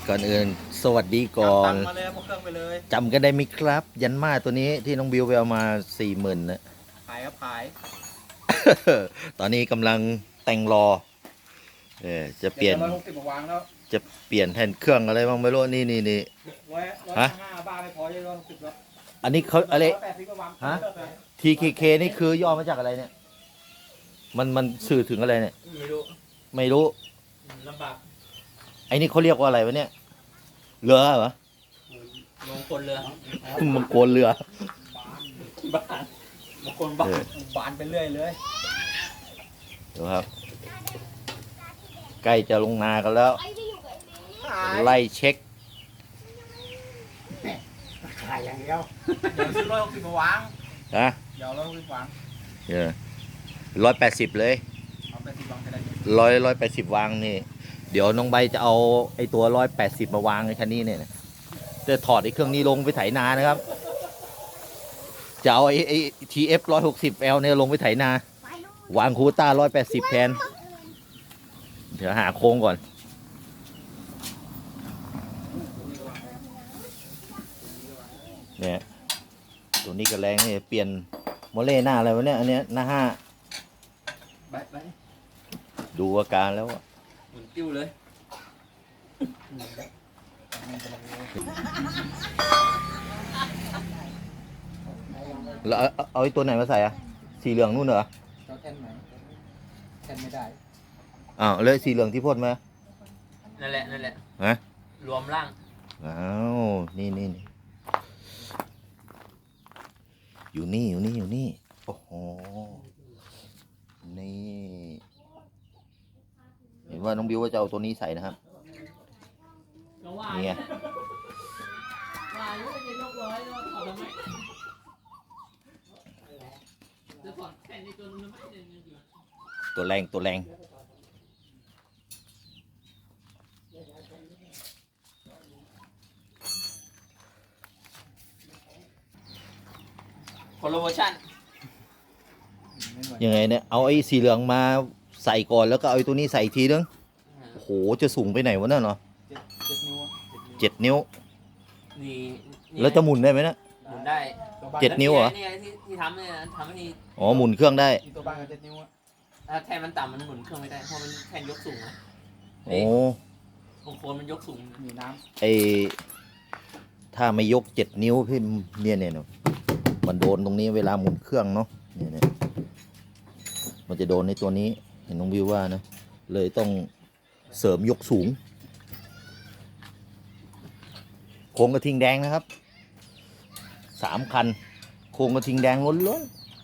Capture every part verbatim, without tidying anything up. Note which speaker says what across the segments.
Speaker 1: ก่อนอื่นสวัสดีก่อน
Speaker 2: ตังมาเลยพวกเครื่องไปเลย
Speaker 1: จำกันได้ไหมครับ ยันมาตัวนี้ที่น้องบิวไปเอามาสี่หมื่นนะ
Speaker 2: ขายครับขาย
Speaker 1: ตอนนี้กำลังแต่งรอเออจะเปลี่ยน
Speaker 2: ร้อยหกสิบมาวางแล้ว
Speaker 1: จะเปลี่ยนแผ่นเครื่องอะไรบ้างไม่รู้นี่นี่นี่
Speaker 2: ร้อยร้อย
Speaker 1: ฮะ
Speaker 2: ห้าบ้าไม่พอจะร้อยหกสิบแล้ว
Speaker 1: อันนี้เขาอะไร
Speaker 2: ร้อยแปดสิบมาวาง
Speaker 1: ฮะ
Speaker 2: เลิกเลย
Speaker 1: ที เค เค นี่คือย่อมาจากอะไรเนี่ย มันมันสื่อถึงอะไรเนี่ย
Speaker 2: ไม่รู้
Speaker 1: ไม่รู้
Speaker 2: ลำบาก
Speaker 1: ไอ้นี่เขาเรียกว่าอะไรวะเนี่ยเรือเหรอ
Speaker 2: มงคลเรือ
Speaker 1: มังกรเรือ
Speaker 2: บ้านมงคลบ้าน
Speaker 1: เออ
Speaker 2: บานไปเรื่อยเลย
Speaker 1: ดูครับ ใกล้จะลงนากันแล้ว
Speaker 2: ขาย
Speaker 1: ไล่เช็ค
Speaker 2: ขายอย่างเดียวเดี๋ยวซื้อร้อยหกสิบมาวาง
Speaker 1: นะ
Speaker 2: เดี๋ยวร้อยหกสิบวาง
Speaker 1: เออร้อยแปดสิบเลย
Speaker 2: เอาแปดสิบวางไปได้ไหม
Speaker 1: ร้อยร้อยแปดสิบวางนี่ เดี๋ยวน้องใบจะเอาไอ้ตัวร้อยแปดสิบมาวางในคันนี้เนี่ยจะถอดไอ้เครื่องนี้ลงไปไถนานะครับ จะเอาไอ้ไอ้ทีเอฟร้อยหกสิบเอลเนี่ยลงไปไถนา วางคูต้าร้อยแปดสิบแทน เดี๋ยวหาโค้งก่อน เนี่ยตัวนี้ก็แรงนี่เปลี่ยนโมเล่หน้าอะไรวะเนี่ย อันเนี้ยหน้าห้า
Speaker 2: ไปไป
Speaker 1: ดูอาการแล้วอะ
Speaker 2: หมุนติ้วเลย
Speaker 1: แล้วเอาเอาเอาไอ้ตัวไหนมาใส่อะสีเหลืองนู่นเหรอ
Speaker 2: เจ้าแท่นไหนแท่นไม่ได้
Speaker 1: อ้าวแล้วสีเหลืองที่พ่นมา
Speaker 3: นั่นแหละนั่นแหละ
Speaker 1: ฮะ
Speaker 3: รวมร่าง
Speaker 1: อ้าวนี่นี่นี่อยู่นี่อยู่นี่อยู่นี่โอ้โหนี่เห็นว่าน้องบิวว่าจะเอาตัวนี้ใส่นะครับนี่ไง
Speaker 3: ว่าลูกจะยกร้อยแล้วถอดทำไมจะถอดแค่นี้ตัวนึงทำไมเนี่ย
Speaker 1: ตัวแรงตัวแรง
Speaker 3: คนละเวอร์ชัน
Speaker 1: ยังไงเนี่ยเอาไอ้สีเหลืองมาใส่ก่อนแล้วก็เอาไอ้ตัวนี้ใส่อีกทีนึงโอ้โหจะสูงไปไหนวะเนี่ยเนาะ
Speaker 2: เจ็ดเจ็ดนิ้ว
Speaker 1: เจ็ดนิ้ว
Speaker 3: นี่นี่
Speaker 1: แล้วจะหมุนได้ไหมนะ
Speaker 3: หมุนได้
Speaker 2: ตัวบ้าน
Speaker 1: เจ็ดนิ้วเหรอ
Speaker 3: นี่ไงที่ที่ทำเนี่ยทำให้นี่
Speaker 1: อ๋อหมุนเครื่องได้
Speaker 2: มีตัวบ้านกับเจ็ดนิ้วอะ
Speaker 3: ถ้าแทนมันต่ำมันหมุนเครื่องไม่ได้เพราะมันแทนยกสูงนะ
Speaker 1: โอ้
Speaker 3: บางคนมันยกสูง
Speaker 2: มีน้
Speaker 1: ไอถ้าไม่ยกเจ็ดนิ้วพี่เนี่ยเนี่ยเนอะมันโดนตรงนี้เวลาหมุนเครื่องเนาะเนี่ยเนี่ยมันจะโดนในตัวนี้เห็นน้องวิวว่านะเลยต้องเสริมยกสูงโครงกระทิงแดงนะครับสามคันโครงกระทิงแดงล้วน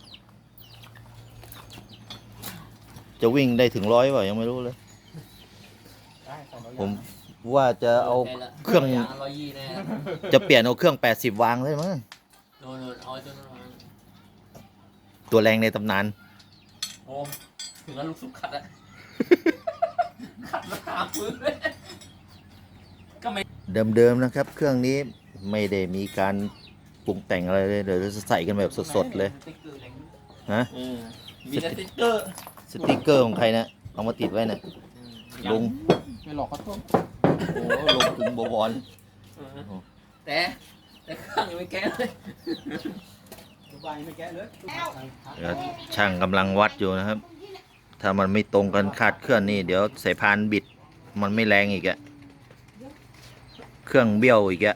Speaker 1: ๆจะวิ่งได้ถึงร้อยเปล่ายังไม่รู้เลย
Speaker 2: ำได้ใส่ร้อย
Speaker 1: ผม
Speaker 2: ยาง
Speaker 1: ว่าจะเอา
Speaker 3: ได้ละ
Speaker 1: เครื่อง
Speaker 3: ยางร้อยยี่แน่
Speaker 1: จะเปลี่ยนเอาเครื่องแปดสิบวางเลยมั้ง
Speaker 3: โดนโดนเอาไอ้ตัวนั้นมา
Speaker 1: ตัวแรงในตำนาน
Speaker 3: โอ้ถึงแล้วลูกสุกขัดอะขัดมาหาพื้นเลยก็ไม่
Speaker 1: เดิมๆนะครับ เครื่องนี้ไม่ได้มีการปรุงแต่งอะไรเลยเดี๋ยวจะใส่กันแบบสดๆเลย
Speaker 3: สติ๊กเกอร์แรง
Speaker 1: ฮะ
Speaker 3: เออมีแต่สติ๊กเกอร์
Speaker 1: สติกเกอร์ของใครนะเอามาติดไว้นะลุง
Speaker 2: ไม่หลอกเขาต้ม
Speaker 1: โอ้ลุงถึงบวร
Speaker 3: เออแต่แต่เครื่องยังไม่แก้เลย
Speaker 2: ตัวบ้านยังไม่แกะเลย
Speaker 1: เดี๋ยวช่างกำลังวัดอยู่นะครับ ถ้ามันไม่ตรงกันคาดเคลื่อนนี่เดี๋ยวสายพานบิดมันไม่แรงอีกอะเครื่องเบี้ยวอีกอะ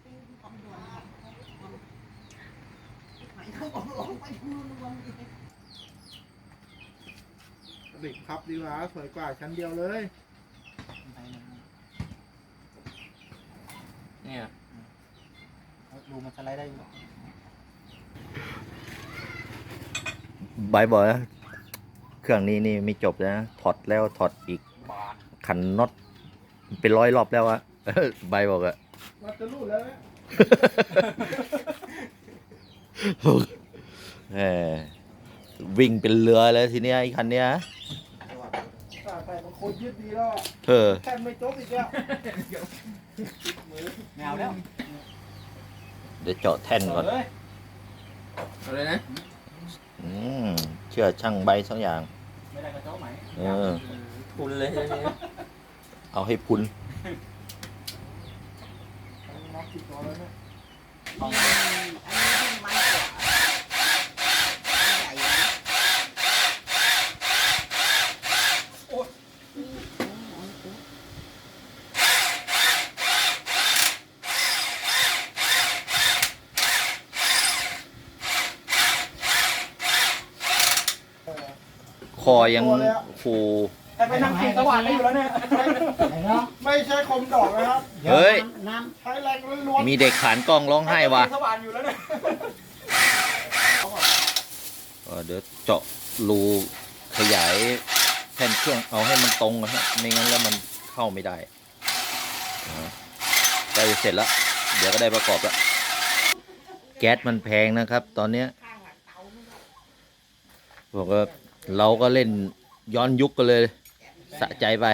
Speaker 4: เด็กครับดีกว่าสวยกว่าชั้นเดียวเลย
Speaker 3: เนี่ย
Speaker 2: ดูมันสไลด์ได้อยู่
Speaker 1: บายบอกนะเครื่องนี้นี่ไม่จบนะถอดแล้วถอดอีก
Speaker 2: บาท
Speaker 1: ขันน็อตเป็นร้อยรอบแล้วอะ ใบบอกอะ
Speaker 4: วัดจะรูดแล้วนะ
Speaker 1: แหมวิ่งเป็นเรือเลยทีเนี้ยไอ้คันเนี้ย
Speaker 4: ใส่แต่มันโคตรยืดดีแล้วอะ
Speaker 1: เออ
Speaker 4: แค่ไม่จบอีกแล้ว
Speaker 2: แมวแล้ว
Speaker 1: เดี๋ยวเจาะแท่นก่อน
Speaker 2: เลย
Speaker 3: เอาเลยนะ
Speaker 1: อืมเชื่อช่างใบสักอย่าง
Speaker 2: ไม่ได้กระเจ้าไหม
Speaker 1: เออ
Speaker 3: ทุนเลยทีนี้
Speaker 1: เอาให้พุน
Speaker 3: อง
Speaker 5: อันนี้ยิ่งมันกว่าใหญ่นะโอ้ย
Speaker 1: คอยังฟู
Speaker 2: แต่ไปนั่งกินสว่านได้อยู่แล้วเนี่ย
Speaker 4: ไม่ใช่คมดอกนะครับ
Speaker 1: เฮ้ย
Speaker 5: น้
Speaker 4: ใช้แรงล้วน
Speaker 1: มีเด็กขานกล้องร้องไห้ว่ะ
Speaker 2: สว่านอยู่แล้วเนี่ย
Speaker 1: เออเดี๋ยวเจาะรูขยายแผ่นเครื่องเอาให้มันตรงนะฮะไม่งั้นแล้วมันเข้าไม่ได้อ่าใกล้จะเสร็จแล้ว เดี๋ยวก็ได้ประกอบแล้ว แก๊สมันแพงนะครับ ตอนเนี้ย
Speaker 5: ำข้างหลังเตาไม่ได้
Speaker 1: บอกว่าเราก็เล่นย้อนยุคกันเลย สะใจไป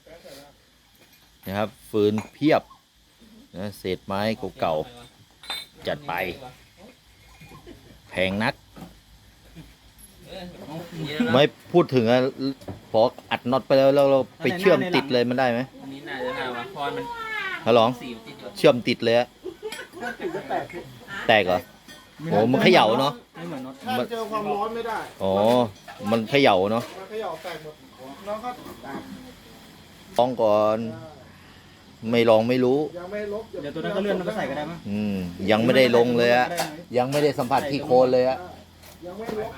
Speaker 1: นะครับ ฟืนเพียบนะเศษไม้เก่าๆจัดไป แพงนัก
Speaker 3: เออเดี๋ยวนะ
Speaker 1: ไม่พูดถึงอะพออัดน็อตไปแล้วแล้วเราไปเชื่อมติดเลยมันได้ไหม
Speaker 3: อันนี้น่าจะน่าวะเพราะมัน
Speaker 1: ฮัลโหล
Speaker 3: สีมันติดอยู่
Speaker 1: เชื่อมติดเลยอะ
Speaker 4: ติดก็แตก
Speaker 1: แตกเหรอโอ้มันเขย่าเนาะ
Speaker 2: ไม่เหมือนน็อต
Speaker 4: ถ้าเจอความร้อนไม่ได้
Speaker 1: อ๋อมันเขย่าเนาะ
Speaker 4: มันเขย่าแตกหมดน้องก็แตก
Speaker 1: ลองก่อน ไม่ลองไม่รู้
Speaker 4: ยังไม่ลบ
Speaker 2: เดี๋ยวตัวนั้นก็เลื่อนมันก็ใส่ก็ได้มั้ง
Speaker 1: อืมยังไม่ได้ลงเลยอะยังไม่ได้สัมผัสที่โคนเลยอะ
Speaker 4: ยังไม่ลบ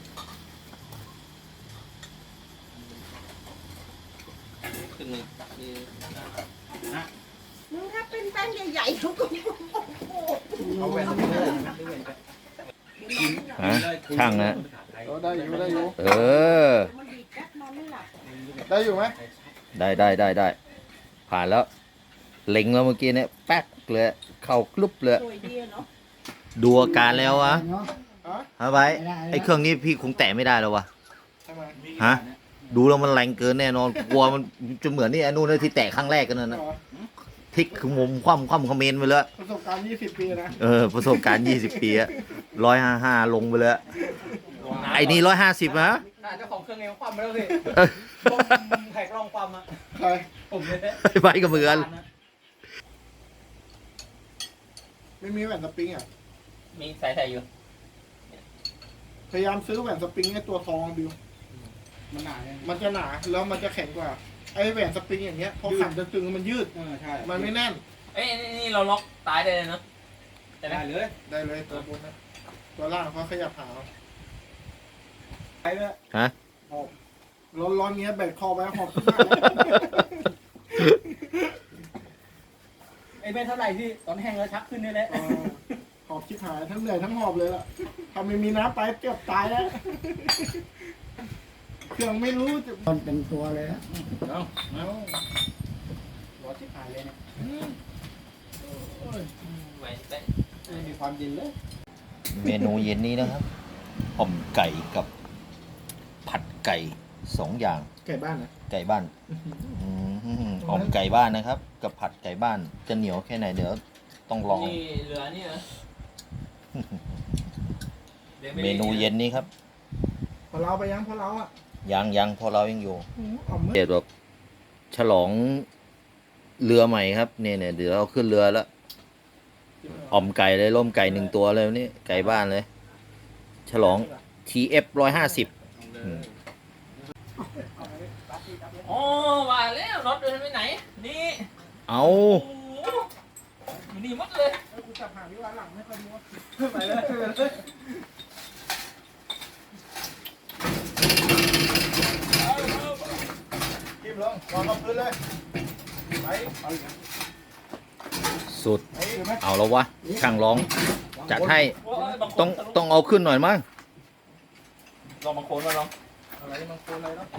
Speaker 3: ขึ้นเลยคือ
Speaker 5: มึงถ้าเป็นแป้นใหญ่ๆเขาก็โอ้โห
Speaker 2: เอาแหวนตรงนี้เลยนะ
Speaker 1: ฮะช่างนะ
Speaker 4: เอาได้อยู่ได้อยู่
Speaker 1: เออ
Speaker 5: มันดีดแก๊สนอนไม่หลับ
Speaker 4: ได้อยู่ไหม
Speaker 1: ได้ได้ได้ได้ผ่านแล้วเล็งแล้วเมื่อกี้เนี่ยแป๊กเลยเข้ากลุบเลย
Speaker 5: สวยดีอะเนาะ
Speaker 1: ดูอาการแล้ววะ
Speaker 4: ฮะ
Speaker 1: ฮะไว้ไอ้เครื่องนี้พี่คงแตะไม่ได้แล้ววะ
Speaker 4: ทำไม
Speaker 1: ฮะดูแล้วมันแรงเกินแน่นอนกลัวมันจะเหมือนนี่ไอ้นู่นเลยที่แตะครั้งแรกกันนั่นนะ
Speaker 4: อ๋อ
Speaker 1: พลิกคือมุมคว่ำคว่ำคอมเมนต์ไปเลย
Speaker 4: ประสบการณ์ยี่สิบปีนะ
Speaker 1: เออประสบการณ์ยี่สิบปีอะร้อยห้าห้าลงไปเลยไอ้นี่ร้อยห้าสิบนะ
Speaker 2: น่าเจ้าของเครื่องเองคว่ำไปแล้วสิ
Speaker 1: เออ
Speaker 2: แหกลองความอ่ะ
Speaker 4: ใคร
Speaker 2: ผมเลย
Speaker 1: ไปกับมือกัน
Speaker 4: ไม่มีแหวนสปริงอ่ะ
Speaker 3: มีสายใส่อยู่
Speaker 4: พยายามซื้อแหวนสปริงให้ตัวทองดิว
Speaker 2: มันหนาเนี่ย
Speaker 4: มันจะหนาแล้วมันจะแข็งกว่า ไอ้แหวนสปริงอย่างเงี้ยพอขันจะตึงมันยืด
Speaker 2: เออใช่
Speaker 4: มันไม่แน่น
Speaker 3: เอ้ยนี่นี่เราล็อกตายได้เลยเนาะแต่
Speaker 2: ได้
Speaker 3: ได้
Speaker 2: เลย
Speaker 4: ได้เลยตัวบนนะตัวล่างเขาขยับหาเอา
Speaker 2: ไปเลย
Speaker 1: ฮะ
Speaker 4: หอบร้อนๆเงี้ยแบกคอไว้หอบขึ้นมา
Speaker 2: ไอ้เบนเท่าไหร่ที่ตอนแห้งแล้วชักขึ้นนี่แหละ
Speaker 4: เออหอบชิบหายทั้งเหนื่อยทั้งหอบเลยล่ะถ้าไม่มีน้ำไปเกือบตายแล้ว เครื่องไม่รู้จะ
Speaker 5: มันเป็นตัวเลยนะ
Speaker 2: เอา
Speaker 4: เอา
Speaker 2: ร้อนชิบหายเลยเนี่ย
Speaker 3: ไหวได้
Speaker 2: ไม่มีความเย็นเลย
Speaker 1: เมนูเย็นนี้นะครับอ่อมไก่กับผัดไก่สองอย่าง
Speaker 4: ไก่บ้านนะ
Speaker 1: ไก่บ้านอืมอ่อมไก่บ้านนะครับ กับผัดไก่บ้านจะเหนียวแค่ไหนเดี๋ยวต้องลอง
Speaker 3: นี่เหลือนี่เหรอดี๋วไ
Speaker 1: เมนูเย็นนี้ครับ
Speaker 4: พอเราไปยังพอเราอ่ะ
Speaker 1: ยังยังพอเรายังอยู่
Speaker 4: อืมอ่อมมืด
Speaker 1: เดี๋ยวแบบฉลองเรือใหม่ครับเนี่ยเนี่ยเดี๋ยวเราขึ้นเรือแล้วอ่อมไก่เลยล่มไก่หนึ่งตัวเลยวันนี้ไก่บ้านเลย ฉลอง ที เอฟ ร้อยห้าสิบ
Speaker 3: อ๋อว่าแล้วน็อตเดินไปไหน นี่
Speaker 1: เอา
Speaker 3: โอ้โหอยู่นี่หมดเลย
Speaker 4: เออกูจับหางที่ว่าหลังไม่ค่อยรู้ว่า
Speaker 2: ไปเลย
Speaker 4: ทิ่มลงวางกับพื้นเลยไป
Speaker 1: สุด
Speaker 4: ไปอยู่ไหม
Speaker 1: เอาแล้ววะช่างร้องจัดให้
Speaker 3: โอ้ยบางคน
Speaker 1: ต้องต้องเอาขึ้นหน่อยมั้ง
Speaker 3: ลองบางคนมาลอง
Speaker 4: อะไรมันโคนอะไรเนาะ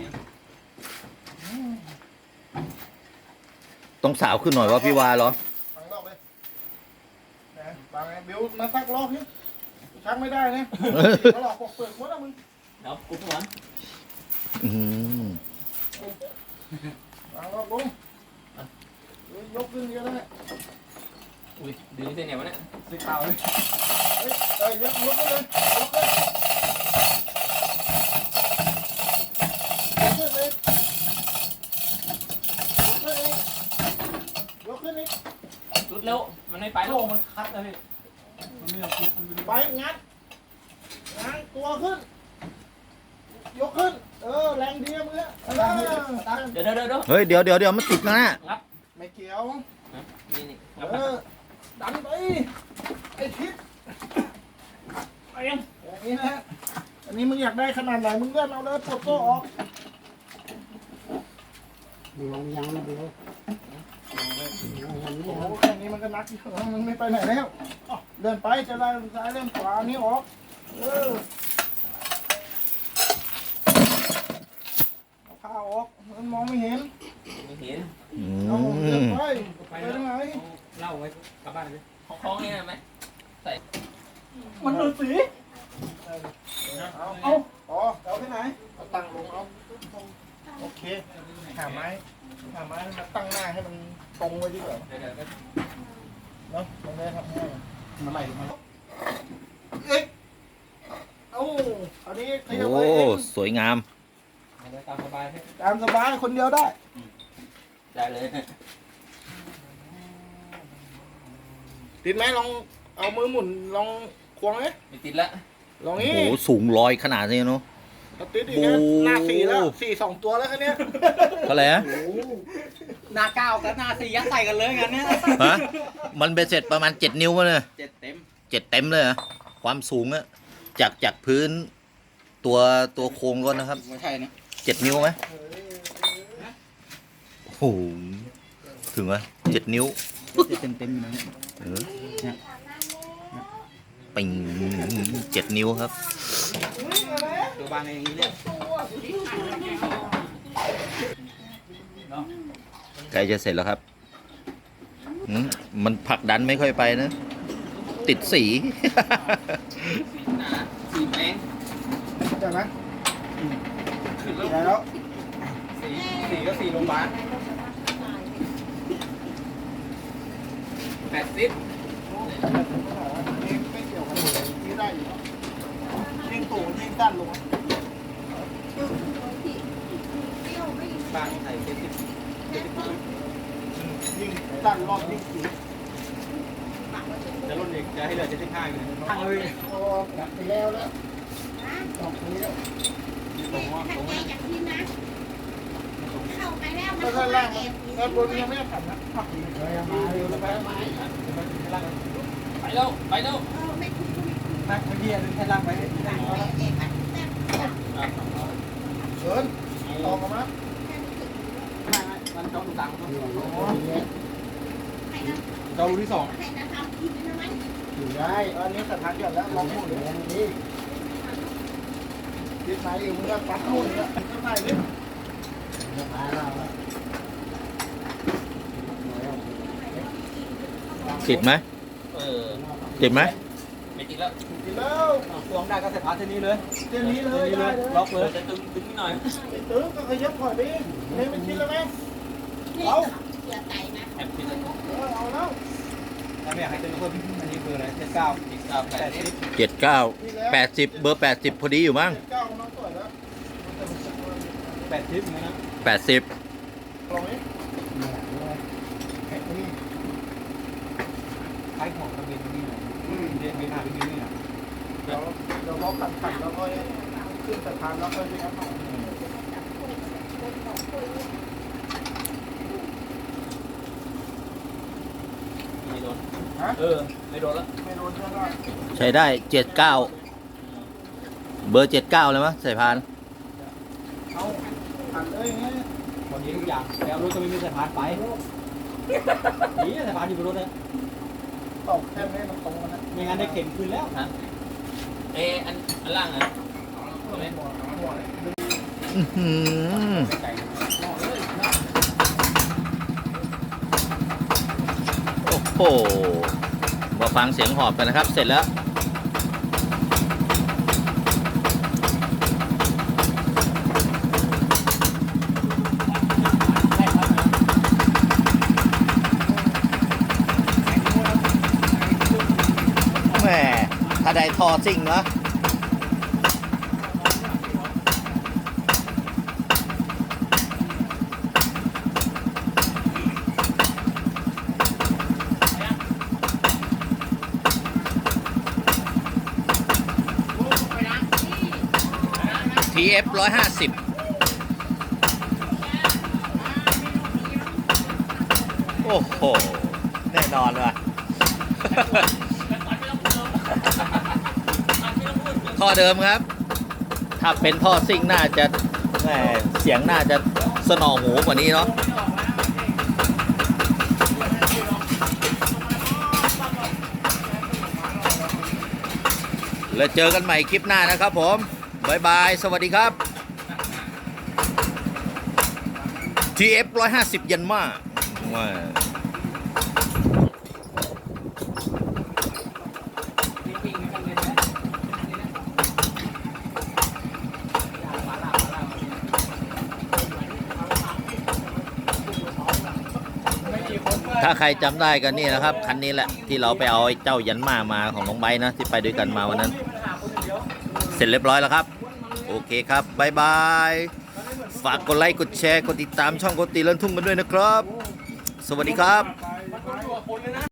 Speaker 1: ต้องสาวขึ้นหน่อยวะพี่วาเหรอ
Speaker 4: ฟังรอบเลยนะบางไงบิวมาซักรอบนี่ชักไม่ได้นะเขาหลอกปกเปิดหมดแล้วมึง
Speaker 3: เดี๋ยวกูหัว
Speaker 1: อืม
Speaker 4: วางรอบลงยกขึ้นเยอะแล้วเนี่ย
Speaker 3: อุ้ยดึงเส้นเนี่ยวะเนี่ย
Speaker 2: สิขาวเลย
Speaker 4: เฮ้ยเอ้ยยกยกขึ้นเลยยกขึ้นยกขึ้นเลยยกขึ้นอีกยกขึ้นอีก
Speaker 3: รุดเร็วมันไม่ไป
Speaker 2: โล
Speaker 3: แล้ว
Speaker 2: มันคัดนะพี่
Speaker 4: ไปงัดง้างตัวขึ้น ยกขึ้น เออแรงดีมือเออ
Speaker 3: เดี๋ยวเดี๋ยวเดี๋ยว
Speaker 1: เฮ้ยเดี๋ยวเดี๋ยวเดี๋ยวมันติดนะ
Speaker 4: ไม่เกี่ยว
Speaker 3: นี่นี่
Speaker 4: เออดันไปไอ้ทิศ
Speaker 3: ไปยัง
Speaker 4: อย่างนี้นะอันนี้มึงอยากได้ขนาดไหนมึงเลื่อนเอาเลยปลดโซ่ออก
Speaker 5: ลงยังนะเดี๋ยว
Speaker 4: โอ้โหแค่นี้มันก็นักอยู่แล้วมันไม่ไปไหนแล้วอ้าวเดินไปจะได้ซ้ายเล่นขวาอันนี้ออกเออเอาผ้าออกมันมองไม่เห็น
Speaker 3: ไม่เห็น
Speaker 1: อื
Speaker 4: เอาเดิน
Speaker 1: ม
Speaker 4: ไปไปทางไหน
Speaker 2: เล่าไว้กลับบ้านเลย
Speaker 3: ของคล้องนี่ไหม
Speaker 4: มันดูสีเอาเอาอ๋อเอาที่ไหนเอาตั้งลงเอาโอเคหาไม้หาไม้มาตั้งหน้าให้มันตรงไว้ดีกว่า
Speaker 3: เดี๋ยวเดี๋ยว
Speaker 4: เนาะมันได้ทำง่ายมาไหลมาเอ๊ะเอ้าอันนี้ขยับ
Speaker 1: โอ้
Speaker 4: ไว้เอง
Speaker 1: สวยงาม
Speaker 2: เอาไว้ตามสบายให้
Speaker 4: ตามสบายคนเดียวได้
Speaker 3: ได้เลย
Speaker 4: ติดไหมลองเอามือหมุนลองควงไหม
Speaker 3: ไม่ติดละ
Speaker 4: ลอง
Speaker 1: โอ้
Speaker 4: นี้
Speaker 1: โหสูงลอยขนาดนี้เนาะ
Speaker 4: เอาติดอีก
Speaker 1: โอ้
Speaker 4: นะหน้าสี่แล้วสี่สองตัวแล้วคันเนี้ย
Speaker 1: ก็เลยฮะ
Speaker 2: หน้าเก้ากับหน้าสี่ยัดใส่กันเลยงั้นเนี่ย
Speaker 1: ฮะมันเป็นเสร็จประมาณเจ็ดนิ้ววะเนี่ย
Speaker 2: เจ็ดเต็ม
Speaker 1: เจ็ดเต็มเลยเหรอความสูงอะจากจากพื้นตัวตัวโครงก็นะครับ
Speaker 2: ไม่ใช่นะ
Speaker 1: เจ็ดนิ้วไหมโอ้โหถึงไหมเจ็ดนิ้ว
Speaker 2: เจ็ดเต็มเต็มอยู่นะ
Speaker 1: เออปิงเจ็ดนิ้วครับ
Speaker 2: ตัวบางอย่างนี้เลย
Speaker 1: ใกล้จะเสร็จแล้วครับอืมมันผลักดันไม่ค่อยไปนะ ติดสี
Speaker 3: หนาสีแมง
Speaker 4: เดี๋ยวนะ
Speaker 3: ขึ้น
Speaker 4: ได้
Speaker 3: แล้ว
Speaker 4: แล้ว
Speaker 2: สี่สี่ก็สี่โรงพยาบาล
Speaker 3: แปดสิบ
Speaker 4: นี่ไม่เกี่ยวกันเลยนี่ได้อยู่ยิ่งตู่ยิ่งด้านลง
Speaker 2: บางใส่เจ็ดสิบ
Speaker 4: ยิ่งด้านรอบยิ่งสูง
Speaker 2: จะลดอีกจะให้เหลือเจ็ดสิบห้าอยู่ตั้งเลย
Speaker 4: โอ้กลับไปแล้วแล้วสองนี้แล้ว
Speaker 2: ผมว่าผมว่า
Speaker 4: ก็ด้านล่างด้านบนยังไม่ได้ขันนะผักเลยมาเร็วแล้วไปมา
Speaker 3: ไปแล้วไปแล้ว
Speaker 2: นักเมื่อกี้นึงแค่ล่างไป
Speaker 4: เชิญต่อกันมา
Speaker 2: มันจ้องตังค์เจ้าที่สอง
Speaker 4: อยู่ได้อันนี้สถานเดียวแล้วลองหมดเลยนี่ยึดไหนอยู่มึงก็ปัดนู่นแล้วยึดไหนดิ
Speaker 1: ติดไหม
Speaker 3: เออ
Speaker 1: ติดไหม
Speaker 3: ไม่ติดแล้ว
Speaker 4: กินแล้ว
Speaker 2: ตัวได้ก็ใส่พาร์ทเท่านี้เลย
Speaker 4: เจนี้เลย
Speaker 2: นี่เล
Speaker 4: ได้
Speaker 2: ย
Speaker 4: เลย
Speaker 2: ล็อกเลย
Speaker 3: จะตึงตึงนิดหน่อย
Speaker 4: ไอ้ตื้อก็ขยับถอยไปนี่มันกินแล้วไหมเอา
Speaker 3: แอบติดแล้ว
Speaker 4: เออเอาแล้ว
Speaker 2: ถ้าไม่อยากให้เจอคนอันนี้คืออะไรเจ็ดเก้า
Speaker 3: ติดเก้าแป
Speaker 2: แป
Speaker 3: ด
Speaker 2: ด
Speaker 3: สิ
Speaker 2: สิ
Speaker 3: บบ
Speaker 1: เจ็ดเก้าแปดสิบเบอร์แปดสิบพอดีอยู่มั้ง
Speaker 4: เก้าน้องต่อยแล้ว
Speaker 2: แปดสิบนะ
Speaker 1: แปดสิบ
Speaker 4: ลองนี้นี่
Speaker 2: ใช้ของกระเบนนี่นะเรียนไปหน้าไปนี่นะ
Speaker 4: เดี๋ยวเดี๋ยวเราขันขันแล้วก็ขึ้นสะพานแล้วก็ไปแอป
Speaker 3: ไม่โดน
Speaker 4: ฮะ
Speaker 3: เออไม่โดนแล้ว
Speaker 4: ไม่โดนเชื่อได้
Speaker 1: ใช้ได้เจ็ดเก้าเบอร์เจ็ดเก้าเลยมั้ยสายพาน
Speaker 4: เอาขันเลยไง
Speaker 2: วันนี้ทุกอย่างแล้วรถก็ไม่มีสะพานไปนี่สะพานอยู่บนรถเลย
Speaker 4: ตอกแค่นี้มันตรงกันนะ
Speaker 2: ไม่งั้นได้เข็นคืนแล้ว
Speaker 3: เอออันอันล่างอ่ะ
Speaker 4: หัวหัว
Speaker 1: อื้อหือ
Speaker 2: ไก่
Speaker 1: โอ้โหมาฟังเสียงหอบกันนะครับ เสร็จแล้ว แหมถ้าได้ทอซิ่งเนาะที เอฟ ร้อยห้าสิบ โอ้โห แน่นอนว่ะ ท่อเดิมครับ ถ้าเป็นท่อซิ่งน่าจะแหมเสียงน่าจะสนอหูกว่านี้เนาะ แล้วเจอกันใหม่คลิปหน้านะครับผม บ๊ายบาย สวัสดีครับ ที เอฟ ร้อยห้าสิบ ยันมาว้า ถ้าใครจำได้กันนี่นะครับ คันนี้แหละที่เราไปเอาไอ้เจ้ายันมามาของน้องไบร์ทนะ ที่ไปด้วยกันมาวันนั้น เสร็จเรียบร้อยแล้วครับ โอเคครับบ๊ายบาย ฝากกดไลค์กดแชร์กดติดตามช่องโกติเลินทุ่งกันด้วยนะครับ สวัสดีครับ